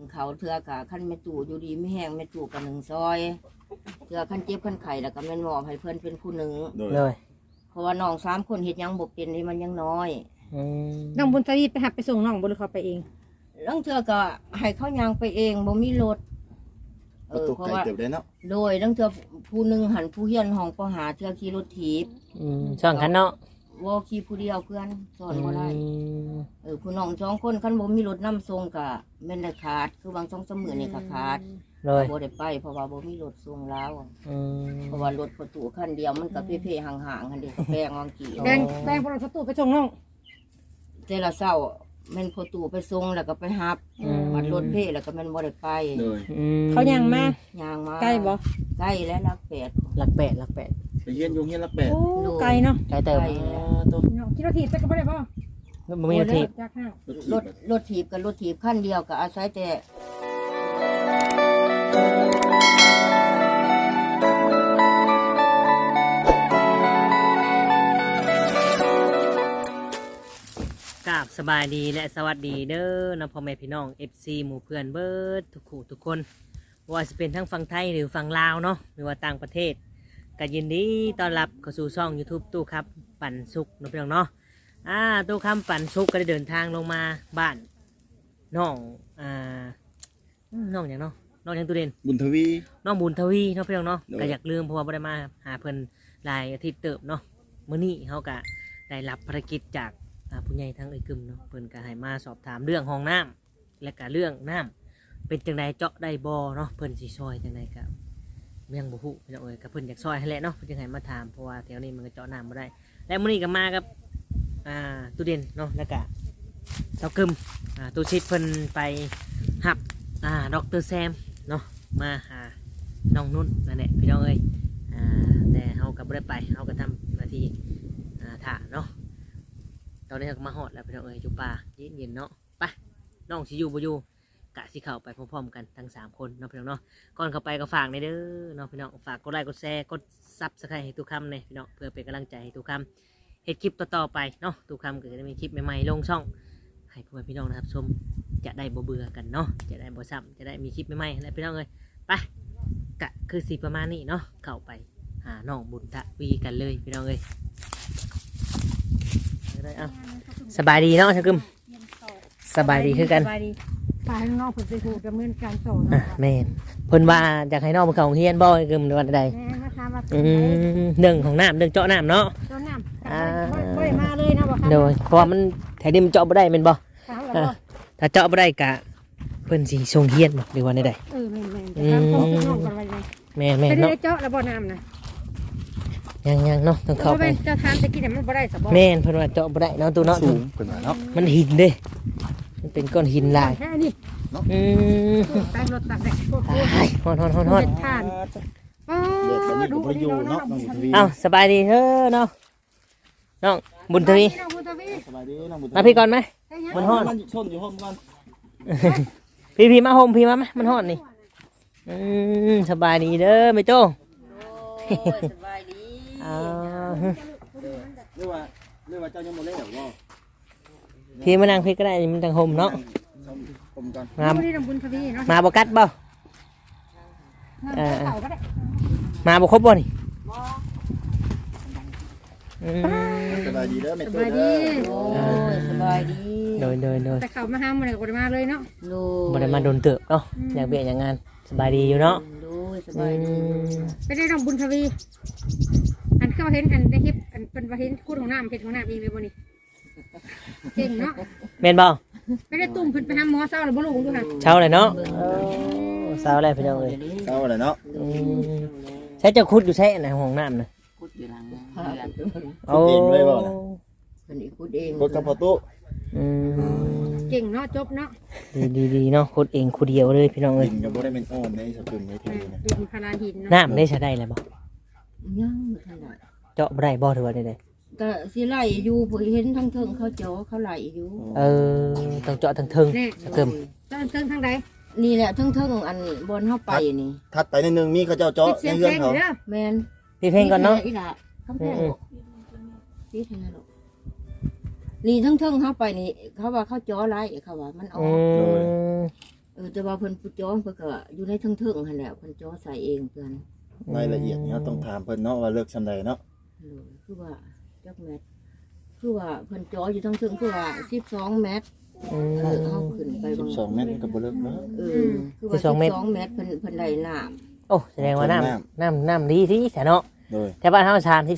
เขาเทือกะขั้นแม่ตู่อยู่ดีไม่แห้งแม่ตู่กับหนึ่งซอยเทือขั้นเจ็บขั้นไข่แล้วก็แม่นมอบให้เพื่อนเป็นผู้หนึ่งเลยเพราะว่าน้อง3 คนเฮ็ดยังบ่เป็นนี่มันยังน้อยน้องบุญทวีไปหับไปส่งน้องบ่หรือเขาไปเองลังเทือก็ให้เขายางไปเองบ่มีรถประตูเพราะไก่ว่าเติบได้เนาะโดยลังเทือผู้หนึ่งหันผู้เฮียนห้องปหาเทือขี่รถถีบช่องคันเนาะบ่ขี่ผู้เดียวเพื่อนสอนบ่ได้ผู้น้อง2 คนคันบ่มีรถนำส่งก็แม่นได้ขาดคือบาง2-3มื้อนี่ก็ขาดเลยบ่ได้ไปเพราะว่าบ่มีรถส่งแล้วเพราะว่ารถประตูคันเดียวมันก็เพ่ๆห่างๆคันเดียวก็แพงวางกี่แบงพวกเราตู้ไปส่งน้องแต่ละเช้าแม่นประตูไปส่งแล้วก็ไปรับ มันรถเพ่แล้วก็แม่นบ่ได้ไปเลยเขายังมาย่างมาใกล้บ่ใกล้แล้วรักแปดหลักแปดไปเฮียนอยู่เฮียนละ8 โอ้ไกลเนาะไกลเติมใกล้แล้วตัวน้องคิดว่าถีบไปก็บ่ได้บ่บ่มีทีจากห้างรถถีบกับรถถีบคันเดียวก็อาศัยแต่กราบสบายดีและสวัสดีเด้อนะพ่อแม่พี่น้อง FC หมู่เพื่อนเบิดทุกคู่ทุกคนว่าจะเป็นทั้งฝั่งไทยหรือฝั่งลาวเนาะหรือว่าต่างประเทศก็ยินดีต้อนรับเข้าสู่ช่อง YouTube ตู้ครับปั่นสุกนะพี่น้องเนาะตู้คำปั่นสุกก็ได้เดินทางลงมาบ้านน้องน้องอย่างเนาะน้องอย่างตู้เด่นบุญทวีน้องบุญทวีเนาะพี่น้องเนาะโดยก็อยากลืมเพราะว่าบ่ได้มาหาเพิ่นหลายอาทิตย์เติบเนาะมื้อนี้เฮาก็ได้รับภารกิจจากผู้ใหญ่ทั้งเอ้ยกึมเนาะเพิ่นก็ให้มาสอบถามเรื่องห้องน้ำและก็เรื่องน้ำเป็นจังไดเจาะได้บ่เนาะเพิ่นสิซอยจังไดก็ยังบ่ฮู้พี่น้องเอ้ยก็เพิ่นอยากซอยให้แหละเนาะเพิ่นจึงให้มาถามเพราะว่าแถวนี้มันก็เจาะน้ำบ่ได้และมื้อนี้ก็มากับตู้เด่นเนาะแล้วก็เจ้ากึมตู้ชิดเพิ่นไปหับดร.แซมเนาะมาหาน้องนุ่นนั่นแหละพี่น้องเอ้ยแต่เฮาก็บ่ได้ไปเฮาก็ทำหน้าที่ถ่าเนาะตอนนี้เราก็มาฮอดแล้วพี่น้องเอ้ยจุป่าเย็นๆเนาะไปน้องสิอยู่บ่อยู่กะสิเข้าไปพร้อมๆกันทั้ง3คนเนาะพี่น้องเนาะก่อนเข้าไปก็ฝากในเด้อเนาะพี่น้องฝากกดไลค์กดแชร์กดซับสไครต์ให้ทุกคำเนี่ยพี่น้องเพื่อเป็นกำลังใจให้ทุกคำเฮ็ดคลิปต่อๆไปเนาะทุกคำก็จะมีคลิปใหม่ๆลงช่องให้พ่อแม่พี่น้องนะครับชมจะได้บ่เบื่อกันเนาะจะได้บ่ซ้ำจะได้มีคลิปใหม่ๆและพี่น้องเอ้ยไปกะคือสิประมาณนี้เนาะเข้าไปหาน้องบุญทวีกันเลยพี่น้องเอ้ยเอาสบายดีเนาะชักกึมสบายดีคือกันสบายดีพาให้น้องเพิ่นไปถูกดำเนินการต่อแม่นเพิ่นว่าอยากให้น้องไปเข้าโรงเรียนบ่กึมในวันใดแม่มาถามว่าเรื่องของน้ำเรื่องเจาะน้ำเนาะเจ้าน้ำบ่ได้มาเลยนะบ่ครับโดยเพราะว่ามันแถวนี้มันเจาะบ่ได้แม่นบ่ถามแล้วบ่ถ้าเจาะบ่ได้กะเพิ่นสิส่งเรียนบ่หรือว่าใดแม่นๆถามของพี่น้องกันไว้เลยๆแม่นไปๆเนาะได้เจาะแล้วบ่น้ำนะยังๆเนาะต้องเข้าเพราะไปว่าจะทานตะกี้เนี่ยมันบ่ได้สะบ่แม่นเพิ่นว่าเจาะบ่ได้เนาะตู้เนาะสูงเพิ่นว่าเนาะมันหินเด้มันเป็นก้อนหินลายแค่นี้อืมตามรถตักแดดโคตรตายฮอนเป็นทานเด็กแบบนี้ก็บ่ได้อยู่เนาะน้องบุญทวีๆเอ้าสบายดีเด้อเนาะน้องบุญทวีสบายดีน้องบุญทวีมาพี่ก่อนไหม มันฮ้อนมันชนอยู่ห้องก่อนพี่มาโฮมพี่มาไหมมันฮ้อนนี่สบายดีเด้อแม่โจ้โอ้ยสบายดีอ้าวเรียกว่าเจ้ายังบ่เล่นบ่พี่มานั่งพี่ก็ได้มันจังโฮมเนาะผมก่อนมานี่ลำบุญทวีเนาะมาบ่กัดบ่เต่าก็ได้มาบ่ครบบ่นี่อืมสบายดีเด้อแม่สตัวบายเด้ดีอโอ้ยสบายดีโดยแต่เขามาห้ามมันก็บ่ได้มาเลยเนาะดูบ่ได้มาโดนเติบเนาะอยากเบียดอย่างงานสบายดีอยู่เนาะดูสบายดีไปได้ลำบุญทวี อันเข้าเห็นอันในคลิปอันเป็นว่าเห็นคู่ของน้ำเห็นของน้ำเองเลยบ่นี่เก่งเนาะแม่นบ่ไปได้ตุ่มเพิ่นไปหาหมอเศร้าหรือบ่รู้ดูค่ะเช้าเลยเนาะเช้าเลยพี่น้องเอ้ยเศร้าเลยเนาะใช้เจ้าคุดอยู่ใช้ในห้องน้ำน่ะคุดอยู่หลังโอ้เป็นอีกคุดเองรถกับพอตู้อืมเก่งเนาะจบเนาะดีเนาะคุดเองคุดเดียวเลยพี่น้องเอ้ยดินก็บ่ได้เป็นอ้อมในสกุลในทีนะดินพาราหินเนาะน้ำได้ใช้ได้แล้วบ่ยังไม่ทันได้เจาะบ่ได้บ่ถือว่าได้ก็สิไหลอยู่ผู้เห็นทั้งเทิงเขาเจาะเขาไหลอยู่ต้องเจาะทั้งเทิงแน่เติมเติ้งเติ้งทางใดนี่แหละทั้งเทิงอันบนเข้าไปนี่ถัดไปนิดนึงมีเขาเจ้าเจาะปิดเสีในยงเรือนเพลงเขาเด้อแมนพี่เพลงก่อนเนาะอีหล่ะคำแพงพี่เท่านั้นหรอกนี่ทั้งเทิงเข้าไปนี่เขาว่าเขาเจาะไหลเขาว่ามันอออืกมแต่ว่าเพิ่นผู้จ้อเพิ่นก็อยู่ในเทิงๆหั่นแหละเพิ่นจ้อใส่เองเพิ่นรายละเอียดนี่เราต้องถามเพิ่นเนาะว่าเลิกซำใดเนาะคือว่าจักเม็ดคือว่าเพิ่นจ้ออยู่เทิงๆคือว่า12เมตรเฮาขึ้นไปบาง 12เมตรก็บ่เลิกเนาะคือว่า12เมตรเพิ่นได้น้ำโอ้แสดงว่าน้ำดีที่แสนเนาะโดยแต่บ้านเฮา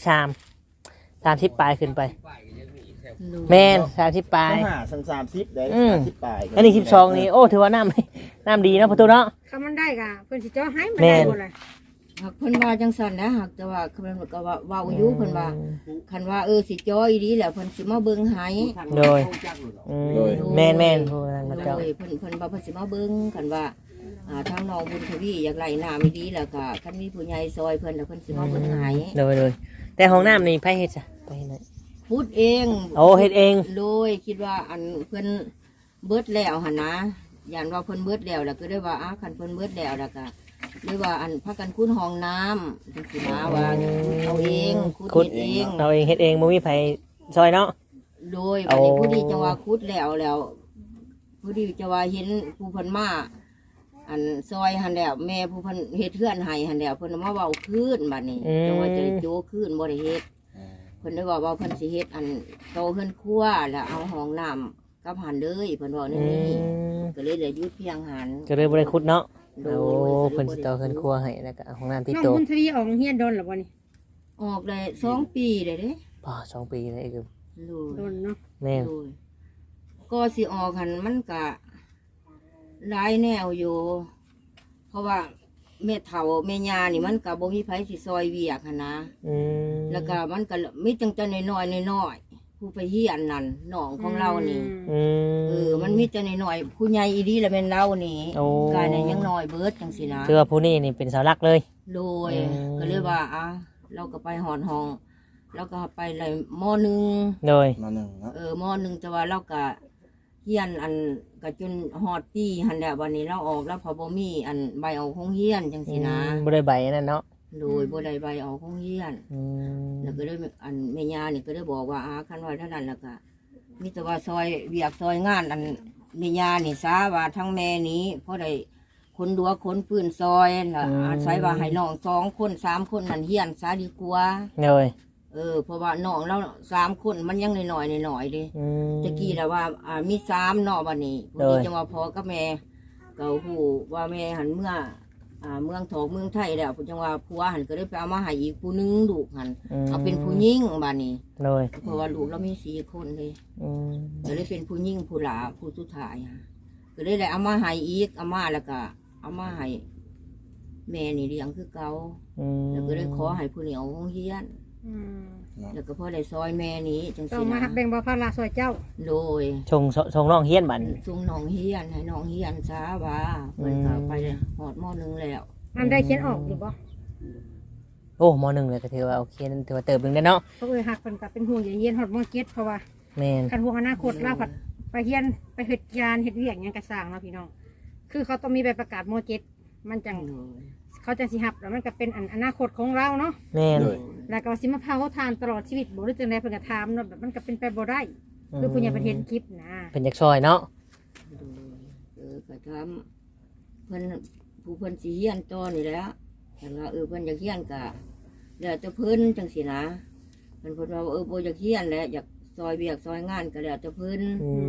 30ปลายขึ้นไปแม่น30ปลายต้องหา30ได้30ปลายอันนี้12นี่โอ้ถือว่าน้ำดีเนาะประตูเนาะคำมันได้ก็เพิ่นสิจ่อให้มันแม่ได้นบ่ล่ะหากเพิ่นว่าจังซั่นนะหากแต่ว่าเพิ่นก็ว่าเว้าอยู่เพิ่นว่าคันว่าสิจ้ออีหลีแล้วเพิ่นสิมาเบิ่งให้โดยแม่นผู้นั้นก็เจ้าโดยเพิ่นว่าเพิ่นสิมาเบิ่งคันว่าทางน้องบุญทวีอยากไหลน้ำอีหลีแล้วก็คันมีผู้ใหญ่ซอยเพิ่นแล้วเพิ่นสิมาเบิ่งให้โดยแต่ห้องน้ำนี่ไผเฮ็ดจ้ะไปไหนพูดเองโอ้เฮ็ดเองโดยคิดว่าอันเพิ่นเบิดแล้วหั่นนะย่านว่าเพิ่นเบิดแล้วก็ได้ว่าคันเพิ่นเบิดแล้วแล้วก็เลยว่าอันพากันขุดห้องน้ำจังซี่นะว่าเอาเองขุดเองเราเองเฮ็ดเองบ่มีไผซอยเนาะโดยวันนี้ผู้ดีจังว่าขุดแล้วผู้ดีจะว่าเห็นผู้เพิ่นมาอันซอยหันแล้วแม่ผู้เพิ่นเฮ็ดเทือนให้หันแล้วเพิ่นมาเว้าคืนบัดนี้จังว่าจะได้โจคืนบ่ได้เฮ็ดเพิ่นได้ว่าเพิ่นสิเฮ็ดอันโตเฮือนครัวแล้วเอาห้องน้ำกับหันเลยเพิ่นว่านี่ก็เลยได้หยุดเพียงหันก็เลยบ่ได้ขุดเนาะโดโอ้ยเพิ่นสิต่อเพิ่นครัวให้แล้วก็ห้องน้ำติดน้องโตะบุญทวีออกเฮียนโดนหรอบ่นี่ออกได้2 ปีเลยเด้ป่า2 ปีเลยคือโดโดยนเนาะแม่นโดยก็สิออกหันมันก็หลายแนวอยู่ เพราะว่าแม่เฒ่าแม่ย่านี่มันก็บ่มีไผสิซอยเวียกหันนะ แล้วก็มันก็มีจังแต่น้อยๆผู้ไปเฮียนนั่นน้องของเรานี่มันมีแต่น้อยๆผู้ใหญ่อีดีแล้วแม่นเรานี่โอ้กายนี่ยังน้อยเบิดจังซี่นะคือว่าผู้นี้นี่เป็นเสาหลักเลยโดยก็เลยว่าเราก็ไปหอดห้องเราก็ไปเลยมอหนึ่งโดยมาหนึ่งเนาะมอหนึ่งแต่ว่าเราก็เฮียนอันก็จนฮอดปีหันแล้ววันนี้เราออกแล้วพอบ่มีอันใบออกของเฮียนจังซี่นะบ่ได้ใบนั่นเนาะโดยบ่ได้ใบออกของเฮียน แล้วก็ได้อันแม่ย่านี่ก็ได้บอกว่าคันว่าเท่านั้นแล้วก็มีแต่ว่าซอยเวียกซอยงานอันแม่ย่านี่ซาว่าทั้งแม่นี้เพราะได้คนดัวคนปืนซอยแล้วอาศัยว่าให้น้อง2 คน3 คนนั่นเฮียนซาดีกว่าโดยเพราะว่าน้องเรา3 คนมันยังน้อยๆเดิตะกี้แล้วว่ามี3เนาะบัดนี้พอดีจังว่าพ่อกับแม่ก็ฮู้ว่าแม่หันเมื่อเมืองทองเมืองไทยแล้วจังว่าผัวหันก็ได้ไปเอามาให้อีกผู้หนึงลูกหันเอาเป็นผู้หญิงบัดนี้โดยเพราะว่าลูกเรามี4 คนเลยก็เลยเป็นผู้หญิงผู้หลาผู้สุดท้ายก็เลยได้เอามาให้อีกเอามาแล้วก็เอามาให้แม่นี่เลี้ยงคือเก่าแล้วก็เลยขอให้ผู้เหนียวของเฮียนแล้วก็พอได้ซอยแม่นี้จังต้อสิงมานะแบ่งเบาภาระซอยเจ้าโดยชงน้องเฮียนบัดส่งน้องเฮียนให้น้องเฮียนช้าว่าเพิ่นก็ไปหอดมอหนึงแล้วอันได้เขียนออกอยู่บ่โอ้ม.1เลยก็ถือว่าโอเคนั่นถือว่าเติบนึงได้เนาะเพราะหักเพิ่นก็เป็นห่วงอย่าเฮียนฮอดมอเก็ตเพราะว่าแม่นคันห่วงอนาคตเราผัดไปเฮียนไปเฮ็ดงานเฮ็ดเวียกหยังก็สร้างเนาะพี่น้องคือเขาต้องมีใบประกาศมอเก็ตมันจังโดยเขาจะสิหับแล้วมันก็เป็นอนาคตของเราเนาะแม่นโดยแล้วก็สิมาพาเขาทานตลอดชีวิตบ่หรือจังไดเพิ่นก็ถามเนาะแบบมันก็เป็นไปบ่ได้คือผู้ใหญ่ประเทศคลิปนะเป็นจักซอยเนาะก็ทำเพิ่นผู้เพิ่นสิเฮียนต่อนี่แหล้วแต่ว่าเพิ่นอยากเฮียนก็แล้วแต่เพิ่นจังสินะเพิ่นว่าบ่อยากเฮียนแล้วอยากซอยเวียกซอยงานก็แล้วแต่เพิ่น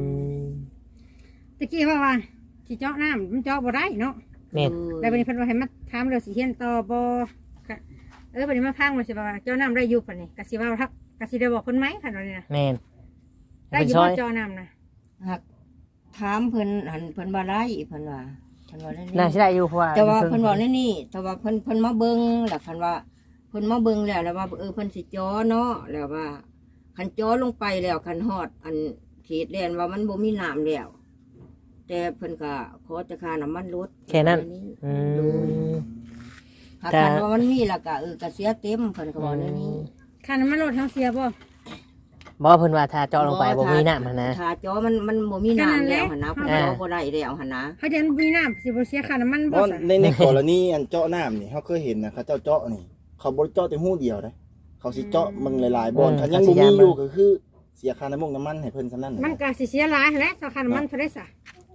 ตะกี้ว่าสิเจาะน้ำมันเจาะบ่ได้เนาะแม่นแล้วบัดนี้เพิ่นว่าให้มาถามเรื่องสิเฮียนต่อบ่ก็บัดนี้มาพังว่าสิว่าเจาะน้ำได้อยู่ปานนี้ก็สิว่าทักก็สิได้บอกเพิ่นไหมคันว่านี่นะแม่นได้อยู่บ่เจาะน้ำนะหักถามเพิ่นหันเพิ่นว่าไรเพิ่นว่าได้น่านี่สิได้อยู่เพราะว่าแต่ว่าเพิ่นบอกนี่นี่แต่ว่าเพิ่นมาเบิ่งแล้วคันว่าเพิ่นมาเบิ่งแล้วว่าเพิ่นสิจ้อเนาะแล้วว่าคันจ้อลงไปแล้วคันฮอดอันเขตแดนว่ามันบ่มีน้ำแล้วแต่เพิ่นก็ขอจะค่าน้ำมันลดแค่นั้นดูหากคันว่ามันมีแล้วก็ก็เสียเต็มเพิ่นก็บอกนี่คันน้ำมันรถเฮาเสียบ่บ่เพิ่นว่าถ้าเจาะลงไปบ่มีน้ำหั่นนะถ้าจ้อมันบ่มีน้ำแล้วหั่นนะเพิ่นก็บ่ได้แล้วหั่นนะเขาจะมีน้ำสิบ่เสียค่าน้ำมันเพบ่ราะซะในกรณีอันเจาะน้ำนี่เขาเคยเห็นนะเขาเจ้าเจาะนี่ เขาบ่ได้เจาะแต่หูเดียวนะเขาสิเจาะมึงหลายๆบ่อนถ้ายังบ่มีอยู่ก็คือเสียค่าน้ำมันให้เพิ่นซำนั้นมันก็สิเสียหลายแหละถ้าค่าน้ำมันเท่าไดซะ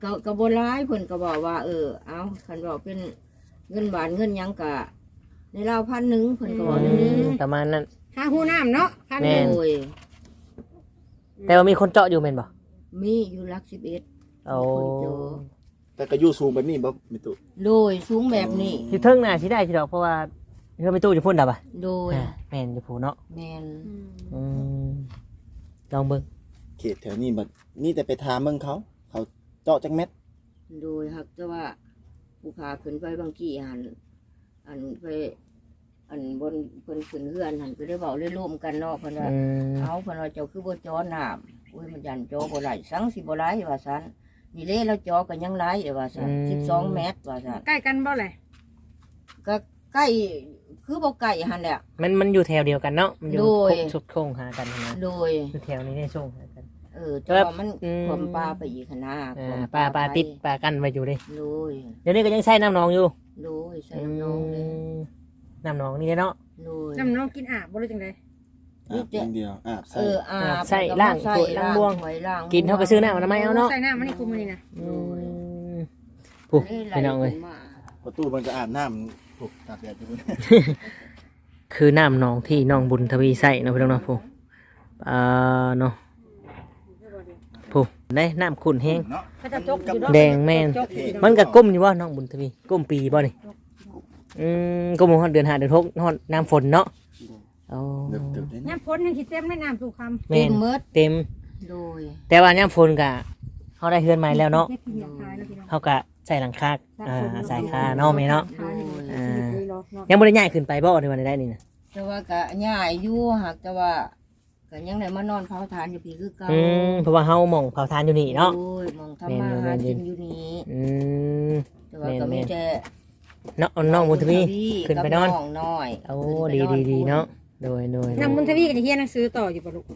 ก็บ่ร้ายเพิ่นก็บอกว่าเอาคันบอกเป็นเงินบาทเงินหยังกะในราว1,000เพิ่นก็บอกอย่างนี้ประมาณนั้นหาหูน้ำเนาะคันแม่โดยแต่ว่ามีคนเจาะอยู่แม่นบ่มีอยู่หลัก11 โอ้คนเจอแต่ก็อยู่สูงแบบนี้บ่มีตุโดยสูงแบบนี้อยู่เทิงน่ะสิได้สิดอกเพราะว่าเฮาไปตู้อยู่พุ่นดอกอ่ะโดยแม่นอยู่พุ่นเนาะแมนอืมลองเบิ่งเขตแถวนี้บัดนี่แต่ไปถามเมืองเขาเจาะจักเม็ดโดยครับแต่ว่าผู้ขาขึ้นไปบางกี่อันไปอันบนเพิ่นขึ้นเฮือนหันก็ได้เว้าได้ร่วมกันเนาะเพิ่นว่าอืมเอาเพิ่นว่าเจ้าคือบ่จอน้ำโอ้ยมันยันจอบ่ไหลสังสิบ่ไหลว่าซั่นนี่เด้แล้วจอก็ยังไหลว่าซั่น12 เมตรว่าซั่นใกล้กันบ่เลยก็ใกล้คือบ่ไกลหั่นแหละมันอยู่แถวเดียวกันเนาะมันอยู่โดยสุดโค้งหากันนะโดยอยู่แถวนี้ในช่วงหากันแต่ว่ามันอืมความปลาไปอีกหั่นนะปลาติดปลากันไว้อยู่ดิโดยเดี๋ยวนี้ก็ยังใช้น้ำหนองอยู่โดยใส่น้ำนองเลยน้ำหนองนี่เนาะโดยน้ำน้องกินอาบบ่รู้จังได๋อาบอย่างเดียวอาบใส่อาบใส่ล่างถ้วยล่างบ้วงถ้วยล่างกินเท่ากับซื้อน้ำมันไม่เอาเนาะใส่น้ำมันนี่คุมมันนี่นะผู้พี่น้องเลยประตูมันจะอาบน้ำถูกตากแดดอยู่คือน้ำหนองที่น้องบุญทวีใส่เนาะพี่น้องเนาะผู้เนาะผู้ได้น้ำขุ่นแห้งเนาะเขาจะจกอยู่เนาะแดงแม่นจกอยู่เนาะมันก็ก้มอยู่ว่าน้องบุญทวีก้มปีบ่นี่ก้มฮอดเดือน5เดือน6ฮอดน้ำฝนเนาะอ๋อเดือบๆได้ย่ำพ้นยังสิเต็มในน้ำสู่คำแม่นเมิดเต็มโดยแต่ว่าย่ำฝนก็เฮาได้เฮือนใหม่แล้วเนาะแค่กินยาคลายแล้วพี่น้องเฮาก็ใส่หลังคาใส่คาเนาะแม่เนาะคลายนี่อ่าชีวิตเลยเนาะยังบ่ได้ย้ายขึ้นไปบ่ในวันได้นี่นะแต่ว่าก็ย่ายอยู่หากแต่ว่าก็ยังได้มานอนเผาทานอยู่พี่คือเก่าเพราะว่าเฮาหม่องเผาทานอยู่นี่เนาะโอ้ยมองทำมาหากินอยู่นี่อืมแต่ว่าก็มีแต่เนาะน้องบุญทวีขึ้นไปนอนกับองน้อยโอ้ขึ้นไปดีนอนเนาะโดยน้ำมันทวีก็จะเฮียนหนังสือต่ออยู่บ่ลูก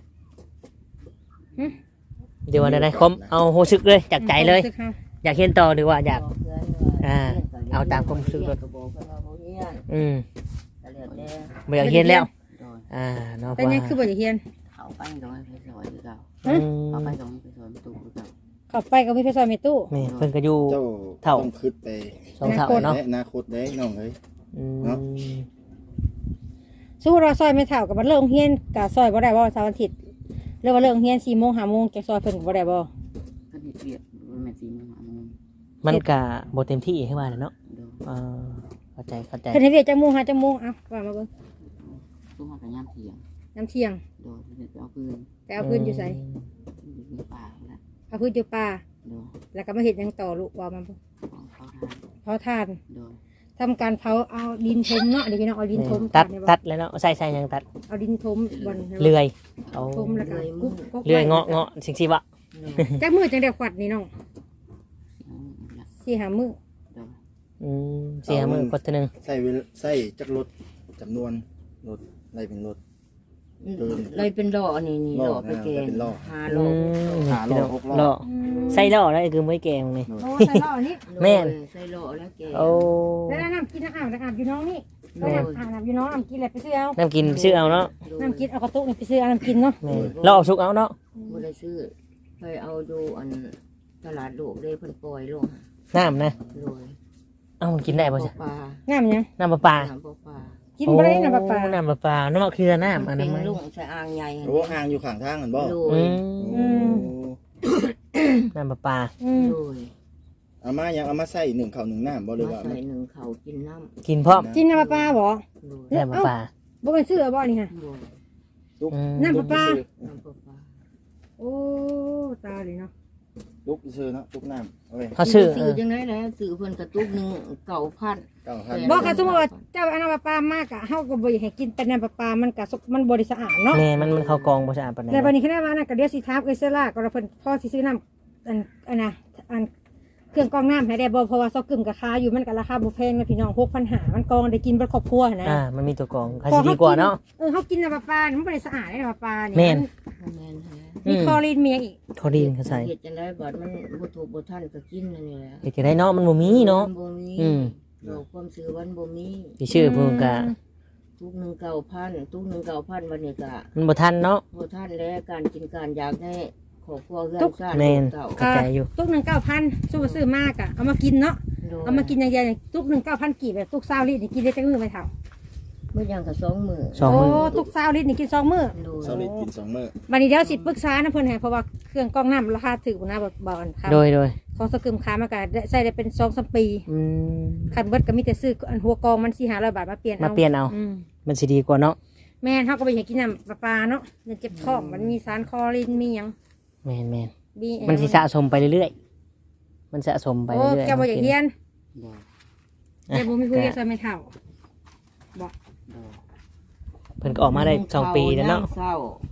เดี๋ยววันใดคมเอาโฮซึกเลยจากใจเลยสึกเฮาอยากเรียนต่อหรือว่าอยากบอกเพื่อนว่าเอาตามความรู้สึกเรียนก็บอกเพิ่นว่าบ่เรียนอืมก็แล้วแต่บ่อยากเรียนแล้วโดยเนาะแต่ยังคือบ่จะเฮียนเขาไปโดยไปสวยคือเก่าอืมเขาไปโดยไปสวยประตูคือเก่าเข้าไปก็มีไปซอยเมตู้นี่เพิ่นก็อยู่เจ้าเท่าต้องคิดไปสองเท่าเนาะและอนาคตได้น้องเอ้ยอืมเนาะสู้เราซอยไม่เท่ากับมันเลิกเฮียนกับซอยบ่ได้บ่เสาร์อาทิตย์เลิกว่าเลิกเฮียน4 โมง 5 โมงจะซอยเพิ่นก็บ่ได้บ่ก็เฮ็ดเวียกมันแม่นสิมาหามึงมันก็บ่เต็มที่ให้ว่าแหละเนาะโดยเข้าใจเพิ่นให้เวียกจักโมงหาจักโมงเอาว่ามาเบิ่งตู้หากันยามเที่ยงน้ำเที่ยงโดยเพิ่นไปเอาปืนไปเอาพื้นอยู่ไสอยู่ในป่าแล้วเอาพื้นอยู่ป่าโดยแล้วก็มาเฮ็ดหยังต่อลูกว่ามาเบิ่งของเขาทานเผาถ่านโดยทำการเผาเอาดินถมเนาะเดี๋ยวพี่น้องเอาดินถมตัดแล้วเนาะใส่ยังตัดเอาดินถมบนเลื่อยเอาถมแล้วก็กุ๊กเลื่อยเงาะสิ่งสิวะจักมือจังได้ขวัดนี่น้องโดย 4-5มื้อเสียมือกดตัวหนึงใส่จักรถจำนวนรถอะไรเป็นรถเลยเป็นล่อนี่ล่ล่ออไปแกงเป็นล่อหาล่อหาล่อหกล่อล่อใส่ล่อแล้วคือไม่แกงนี่โอ้ใส่ล่อนี่แม่นใส่ล่อแล้วแกงโอ้แล้วน้ำกินน้ำอาบอยู่น้องนี่น้ำอยู่น้องน้ำกินอะไรไปซื้อเอาน้ำกินซื้อเอาเนาะน้ำกินเอากระตุกนี่ไปซื้อเอาน้ำกินเนาะแม่เราเอาชุกเอาเนาะบ่ได้ซื้อไปเอาดูอันตลาดโลกเลยเพิ่นปล่อยลงน้ำนะโดยเอามันกินได้ป่ะจ๊ะปลาน้ำยังน้ำปลาปลาน้ำปลากินบ่ได้น้ำปลาปลาน้ำปลาปลาน้ำมะเขือน้ำอันเป็นั้นนไหมลุงใส่อ่างใหญ่โอ้อ่างอยู่ข้างทางกันบ่โดอืยมน้ำปลาปลาโดยเอามายังเอามาใส่1ข้าว1น้ำบ่หรือมาว่าใส่หนึ่งเขากินน้กินพร้อมกินน้ำปลาปลาบ่ำโดยน้ำปลาปลาบ่เป็นซื้อบ่นี่ฮะโดยลูกน้ำปลาปลาน้ำปลาโอ้ตาเลยเนาะลูกซื้อเนาะลูกน้ำเอาไว้เขาชื่อซื้อจังได๋แหละซื้อเพิ่นกระตุกหนึง9,000 9,000 บ่ค่ะสมมุติว่าเจ้าเอาน้ำปลาปลามากอะเฮาก็บ่อยากให้กินแต่น้ำปลาปลามันก็มันบ่ได้สะอาดเนาะแม่มันเข้ากองบ่สะอาดปานใดแต่วันนี้คะแนนว่าน่ะก็เดี๋ยวสิถามเอ้ยเซล่าก็เพิ่นพอสิซื้อน้ำอันน่ะอันเครื่องกรองน้ำให้ได้บ่เพราะว่าซอกกึ่มก็ค้าอยู่มันก็ราคาบ่แพงนะพี่น้อง6,500มันกรองได้กินเบิดครอบครัวนะมันมีตัวกองใครสิดีกว่าเนาะเฮากินน้ำปลาปลามันบ่ได้สะอาดน้ำปลาปลานี่แม่นแม่นฮะมีคลอรีนมีอีกทอดีนเขาใส่เฮ็ดจังได๋บัดมันบ่ถูกบ่ทันก็กินนั่นนี่แหละเฮ็ดจะได้เนาะมันบ่มีเนาะบ่มีอืมดอกความซื้อวันบ่มีสิชื่อเพิ่นก็ทุก1 9,000ทุก1 9,000วันนี้ก็มันบ่ทันเนาะบ่ทันแล้วการกินการอยากได้ขครอบครัวเฮือนซ่านแม่นเก่าเข้าใจอยู่ตุกหนึ่ง9,000สู้ซื้อมากอะเอามากินเนาะโดยเอามากินอย่างเดียวเนี่ยตุกหนึ่ง9,000กีบแบบตุก20 ลิตรนี่กินได้จังมื้อไหมเท่ามื้อยังก็2 มื้อสองโอ้มื้อตุก20 ลิตรนี่กิน2 มื้อโดยเสาร์นี้กิน2มื้อบัดนี้เดี๋ยวสิปรึกษานะเพิ่นให้เพราะว่าเครื่องกรองน้ำราคาถูกนะบ่อันครับโดยของสกึมค้ามาก็ได้ใช้ได้เป็น2-3 ปีอืมคันเบิดก็มีแต่ซื้ออันหัวกรองมัน400-500 บาทมาเปลี่ยนเอามาเปลี่ยนเอาอืมมันสิดีกว่าเนาะแม่นเฮาก็ไปอยากกินน้ำประปาเนาะมันเจ็บท้องมันมีสารคลอรินมีหยังแม่นมีๆมันสิสะสมไปเรื่อยๆมันสะสมไปโอ้เรื่อยๆแกบ่อยากเรียนบ่แกบ่มีผู้เรียนซอยไม่เท่าเพิ่นก็ออกมาได้2 ปีแล้วเนาะ 1เช้า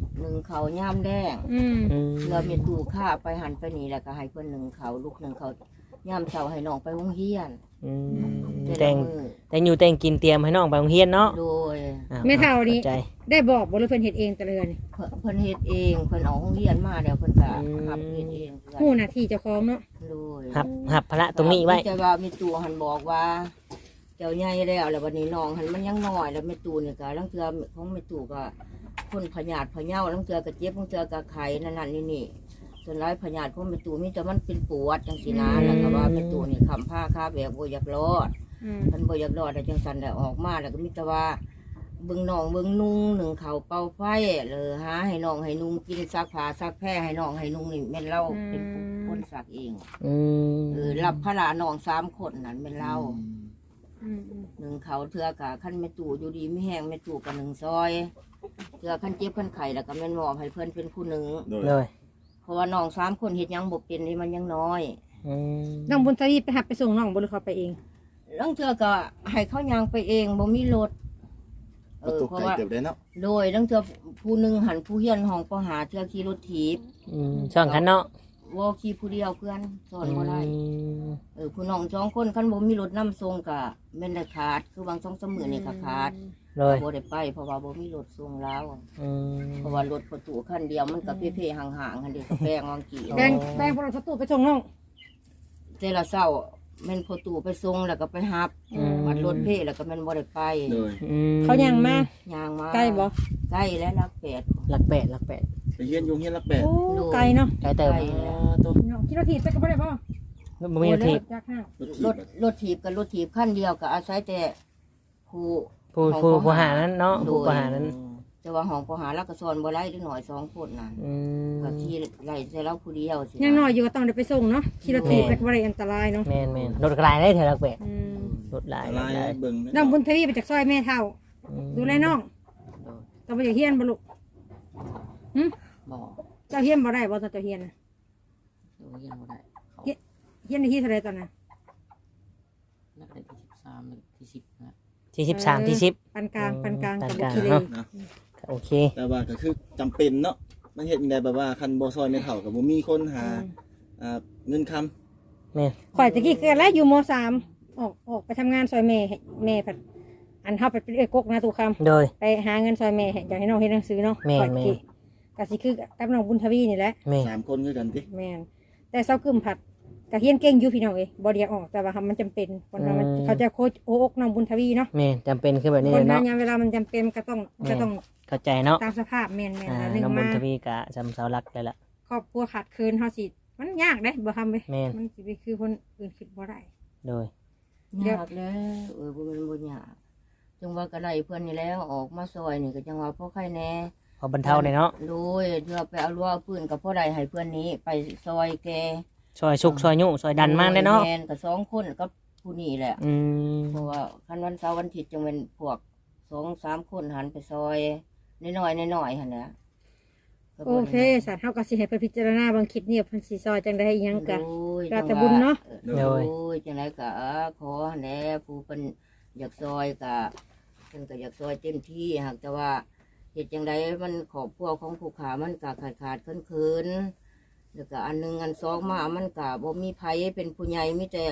1ข้าวยามแดงอืมอืมเรามีตู้ค่าไปหันไปนี่แล้วก็ให้เพิ่น1ข้าวลูก1ข้าวยามเช้าให้น้องไปโรงเรียนอืมแต่แต่ละงมื้อแต่งอยู่แต่งกินเตรียมให้น้องไปโรงเรียนเนาะโดยอ้วไม่เท่านี้ข้ใจได้บอกบ่หรือเพิ่นเฮ็ดเองแต่ละเดือนนี่เพิ่นเฮ็ดเองเพิ่นออกโรงเรียนมาแล้วเพิ่นก็รับเฮ็ดเองเพิ่นฮู้หน้าที่เจ้าของเนาะโดยหับภาระตรงนี้ไว้แต่ว่ามีตู้หันบอกว่า เจ้าใหญ่แล้ววันนี้น้องหันมันยังน้อยแล้วแม่ตู้นี่ก็ลังเทื่อของแม่ตู้ก็คนพยาธิพะเยาลังเทื่อก็เจ็บบางเทื่อก็ไข้นั่นนี่ส่วนหลายพยาธิของแม่ตู้มีแต่มันเป็นปวดจังซี่นะแล้วก็ว่าแม่ตู้นี่ค้ำผ้าคาแบบบ่อยากรอดอืมมันบ่อยากรอดแล้วจังซั่นได้ออกมาแล้วก็มีแต่ว่าเบิ่งน้องเบิ่งนุ่งหนึ่งเขาวเป่าไฟเลยหาให้น้องให้นุ่งกินซักผ้าซักแพร่ให้น้องให้นุ่งนี่แม่นเราเป็นคนซักเองอืมรับภาระน้อง3 คนนั่นเป็นเราอืมหนึ่งเขาเทือกะขั้นแม่ตู่อยู่ดีไม่แห้งแม่ตู่กับ1 ซอยเทือขั้นเจ็บขั้นไข่แล้วก็แม่นหมอบให้เพื่อนเป็นผู้หนึ่งโดยเลยเพราะว่าน้อง3 คนเฮ็ดหยังบ่เป็นนี่มันยังน้อยอืมน้องบุญทวีไปหับไปส่งน้องบ่หรือเขาไปเองลังเทือก็ให้เขายางไปเองบ่มีรถประตูเพราะไก่ว่าเติบได้เนาะโดยลังเทือผู้หนึ่งหันผู้เฮียนห้องประหาเทือขี่รถถีบช่องคันเนาะว่าขี่ผู้เดียวเพื่อนสอนบ่ได้อืมผู้น้อง2 คนคันบ่มีรถนำส่งก็แม่นได้ขาดคือบาง2-3มื้อนี่ก็ขาดเลยบ่ได้ไปเพราะว่าบ่มีรถส่งแล้วอืมเพราะว่ารถประตูคันเดียวมันก็เพ่ๆห่างๆคันเดียวก็แป้งวางกี่แบงแบงพวกเราตู้ไปส่งน้องแต่ละเช้าแม่นประตูไปส่งแล้วก็ไปฮับมันรถเพ่แล้วก็แม่นบ่ได้ไปโดยอืมเขายังมาย่างมาไกลบ่ใกล้และรักแปดหลักแปดไปเฮียนอยู่เฮียนละ8 โอ้ไกลเนาะไกลเติมไกลตัวเนาะคิดว่าถีบไปก็บ่ได้บ่บ่มีทีบจากห้างรถถีบกับรถถีบคันเดียวก็อาศัยแต่ผู้ผู้หานั้นเนาะผู้หานั้นแต่ว่าห้องประหาแล้วก็สอนบ่ได้เด็กน้อย2 คนน่ะอืมก็ขี่ไล่แต่เราผู้เดียวสิยังน้อยอยู่ก็ต้องได้ไปส่งเนาะคิดว่าถีบไปก็บ่ได้อันตรายเนาะแม่นรถกลายได้เท่าหลักแปดอืมรถหลายลายเบิ่งน้องบุญทวีไปจากซอยแม่เท่า ดูแลน้องต้องไปจากเฮียนบ่ลูกบ่เจ้าเฮียนบ่ได้บ่ตอนเจ้าเฮียนน่ะเรียนบ่ได้เฮียนในที่เท่าไรตอนนั้นนักเรียนที่13ที่10นะที่13ที่10 ปานกลางปานกลางปากัน บกลางบุรีเนาะ โอเคแต่ว่าก็คือจำเป็นเนาะมันเฮ็ดจังไดแบบว่าคันบ่ซอยไม่เท่าก็บ่มีคนหาเงินคำแม่นข่อยตะกี้เกิดแล้วอยู่ม.3 ออกไปทำงานซอยแม่ผัดอันเฮาไปเป็นเอ้ยกกนะตุคำโดยไปหาเงินซอยแม่อยากให้น้องเฮ็ดหนังสือเนาะแม่นข่อยตะกี้ก็สิคือกับน้องบุญทวีนี่แหละแม่น 3 คนคือกันติแม่นแต่เซากึมผัดก็เฮียนเก่งอยู่พี่น้องเอ้ยบ่ได้อยากออกแต่ว่ามันจำเป็นคนว่ามันเขาจะโคชโอกน้องบุญทวีเนาะแม่นจำเป็นคือแบบนี้คนเลยงาเนาะนยามเวลามันจำเป็นมันก็ต้องเข้าใจเนาะตามสภาพแม่นๆแล้วหนึงน้องบุมาญทวีกะจำเสาหลักเลยล่ะครอบครัวขาดเคินเฮาสิมันยากเด้บ่ทำเว้ยแม่นมันสิไปคือคนอื่นคิดบ่ได้โดยยากแล้วบ่แม่นบ่ยากจังว่าก็ได้เพิ่นนี่แล้วออกมาซอยนี่ก็จังว่าพอใครแน่พอบรรเทาเลยเนาะโดยเพื่อไปเอารั้วเอาปืนกับพ่อใดให้เพื่อนนี้ไปซอยแกซอยชุกซอยยุ่ซอยดันมากเลยเนาะแมนกับ2 คนกับผู้นี้แหละอืมเพราะว่าคันวันเสาร์วันอาทิตย์จังเป็นพวก2-3 คนหันไปซอยน้อยๆหั่นนะโอเคสัตว์เฮาก็สิให้เพิ่นพิจารณาบางคลิปนี้เพิ่นสิซอยจังได๋อิหยังก็โดยแล้วแต่บุญเนาะโดยจังไดก็ขอหั่นแหละผู้เพิ่นอยากซอยก็เพิ่นก็อยากซอยเต็มที่หากแต่ว่าเฮ็ดจังไดมันครอบครัวของผู้ขามันก็ขาดๆเคินๆ แล้วก็อันหนึงอันสองมามันก็บ่มีไผเป็นผู้ใหญ่มีแต่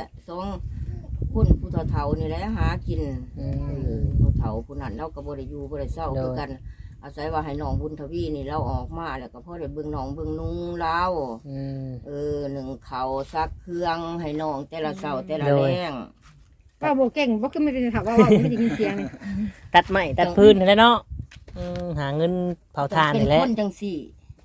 2 คนผู้เฒ่าๆนี่แหละหากินผู้เฒ่าผู้นั้นเราก็บ่ได้อยู่บ่ได้เศร้าคือกัน อาศัยว่าให้น้องบุญทวีนี่เราออกมาแล้วก็พอได้เบิ่งน้องเบิ่งนุ่งเราอืมหนึ่งเขาวซักเครื่องให้น้องแต่ละเช้าแต่ละโดแรยงว่าบ่เก่งบ่คือไม่เป็นถามว่าไม่ได้ยินเสียงนี่ตัดไม้ตัดพื้นนี่แหละเนาะหาเงินเผาทานเป็นี่นแหละคนจังสี่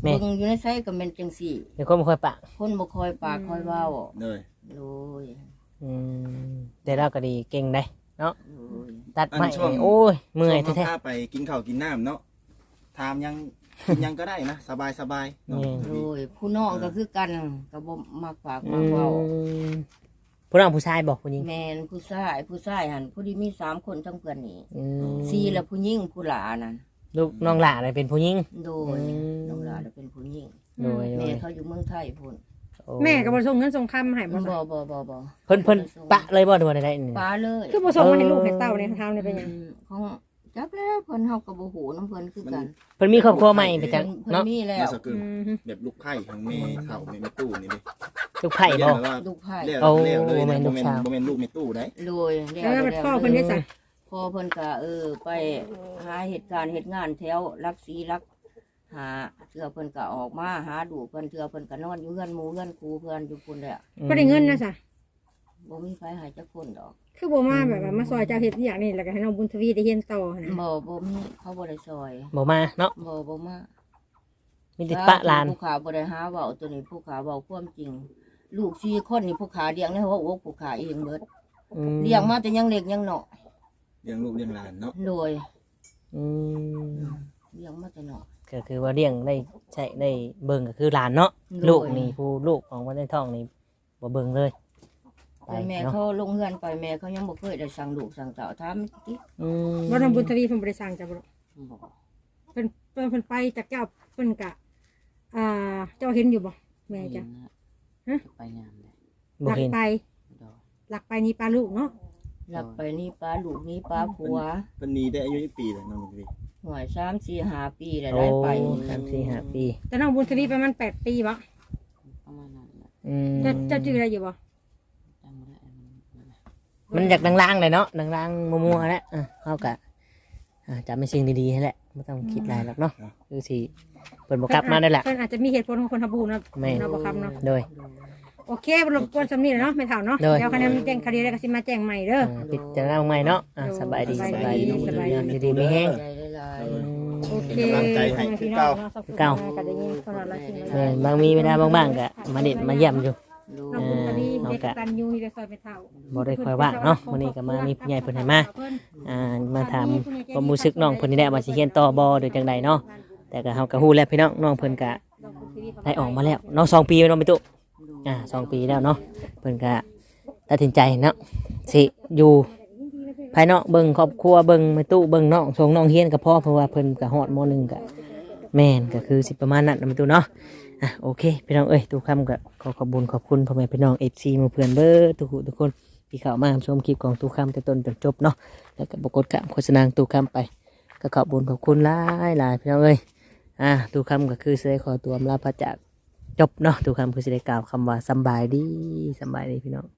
แม่เบิ่งอยู่ในไสก็แม่นจังซี่เดี๋ยวคนบ่ค่อยปากคนบ่คอยปากคอยเว้าเลยโดยอืมแต่เราก็ดีเก่งได้เนาะโดยตัดไม้โอ้ยเมื่อยช่วงแท้เขาพาไปกินข้าวกินน้ำเนาะถามยังกินยังก็ได้นะสบายสบายเนาะโดยผู้น้องก็คือกันก็บ่มักปากๆมักเว้าผู้น้องผู้ชายบอกผู้หญิงแม่นผู้ชายหั่นผู้ที่มี3คนทั้งเพื่อนนี่อืม 4แล้วผู้หญิงผู้หลานั่นลูกน้องหล่าเลยเป็นผู้หญิงโดยน้องหลาน่ะเป็นผู้หญิงโดยแม่เขาอยู่เมืองไทยพุ่นโอ้แม่ก็บ่ส่งเงินส่งคำให้บ่บ่ซะบ่เพิ่นปะเลยบ่ดูว่าได้นี่ป้าเลยคือบ่ส่งมาให้ลูกให้เต้าเนี่ยทำเนี่ยเป็นหยังของจักแล้วเพิ่นเฮาก็บ่ฮู้นํเพิ่นคือกันเพิ่นมีครอบครัวใหม่ไปจังเพิ่นเนาะมีแล้มาว สกึอืมมแบบลูกไข่ของเมย์เข่าเมย์ตู้นี่ดิลูกไผ่เรียบ่กว่าลูกไผ่เรียกโอ้เรียกเลยบ่แม่นะนโมลูกเมนสาวโมเมนลูกเมย์ตู้ได้โดยแล้วพ่อเพิ่นได้สั่งพ่อเพิ่นก็ไปหาเหตุการณ์เฮ็ดงานแถวรักศรีรักหาเทื่อเพิ่นก็ออกมาหาดูกเพิ่นเทื่อเพิ่นก็นอนอยู่เฮือนหมู่เฮือนครูเพิ่นอยู่พุ่นแหละบ่ได้เงินนะซะบ่มีไผหาจักคนดอกคือบ่มาแบบว่ามาซอยเจ้าเฮ็ดอหย่างนี้แล้วก็ให้น้องบุญทวีได้เรียนต่อนะบ่มีเขาบ่ได้ซอยบ่มาเนาะบ่มามีแต่ปะหลานผู้ขาบ่ได้หาเว้าตัวนี้ผู้ขาเว้าความจริง ลูก4คนนี่ผู้ขาเลี้ยงในหัวอกผู้ขาเองเบิดอืมเลี้ยงมาแต่ยังเล็กยังน้อยเลี้ยงลูกเลี้ยงหลานเนาะโดยอืมเลี้ยงมาแต่น้อยก็คือว่าเลี้ยงได้ใช้ได้เบิ่งก็คือหลานเนาะโดยลูกนี่ผู้ลูกของวันในท้องนี่บ่เบิ่งเลยไปแต่แม่เนาะเขาลงเฮือนไปแม่เขายังบ่เคยได้สั่งลูกสั่งเต้าถามติอืมบ่น้องบุญทวีเพิ่นบ่ได้สั่งจ้ะบ่บ่เพิ่นไปจากเจ้าเพิ่นกะเจ้าเห็นอยู่บ่แม่จ้ะ ฮะไปงามเลยบ่หลักเห็นไปดอกหลักไปนี่ปลาลูกเนาะหลับไปนี่ป้าลูกนี่ป้าผัวเป็นนี้ได้อายุ20 ปีเลยน้องมีหวย3 4 5ปีแล้วโอ้ได้ไป 3-4-5 ปีแต่น้องบุญทวีประมาณ8ปีบ่ประมาณนั้นแหละอืมเจ้าชื่ออะไรอยู่บ่จำบ่ได้มันอยากดังๆเลยเนาะดังๆมัวๆแล้วเฮาก็จำเป็นสิ่งดีๆให้แหละบ่ต้องคิดหลายหรอกเนาะคือสิเพิ่นบ่กลับมาได้แหละเพิ่นอาจจะมีเหตุผลของคนทำบุญเนาะแม่เนาะบ่ครับเนาะโดยโอเคบ่รบกวนสำนี้แหละเนาะไม่เท่าเนาะโดยเดี๋ยวคะแนนมีแจ้งคดีแล้วก็สิมาแจ้งใหม่เด้อปิดจะเอาใหม่เนาะสบายดีสบายดีสบายสบายดีดีมีแห้งใจหลายโอเคเป็นกำลังใจให้คือเก่าเก่าก็ได้ยินคนละสิ่งละบางมีเวลาบางๆก็มาเด็ดมาเยี่ยมอยู่ๆดูน้องบุญทวีเอาเด็กกะตันยูที่ได้ซอยไปเท่าบ่ได้ค่อยว่างเนาะวันนี้ก็มามีผู้ใหญ่เพิ่นให้มามาถามความรู้สึกน้องเพิ่นนี่แหละว่าสิเรียนต่อบ่หรือจังใดเนาะแต่ก็เฮาก็ฮู้แล้วพี่น้องน้องเพิ่นก็ได้ออกมาแล้วเนาะ2 ปีเนาะพี่ตุ๊2 ปีแล้วเนาะเพิ่นก็ตัดสินใจเนาะสิอยู่ภายนอกเบิ่งครอบครัวเบิ่งแม่ตู้เบิ่งน้องส่งน้องเรียนก็พอเพราะว่าเพิ่นก็ฮอดม .1 ก็แม่นก็คือสิประมาณนั้นนะแม่ตู้เนาะโอเคพี่น้องเอ้ยทุกคำก็ขอขอบคุณขอบคุณพ่อแม่พี่น้อง FC หมู่เพื่อนเบิดทุกคนที่เข้ามาชมคลิปของทุกคำแต่ต้นจนจบเนาะแล้วก็บ่กดกะโฆษณาทุกคำไปก็ขอบคุณขอบคุณหลายพี่น้องเอ้ยทุกคำก็คือสิได้ขอตัวอำลาพระจากจบเนาะทุกคำคือสิได้กล่าวคำว่าสำบายดีพี่น้อง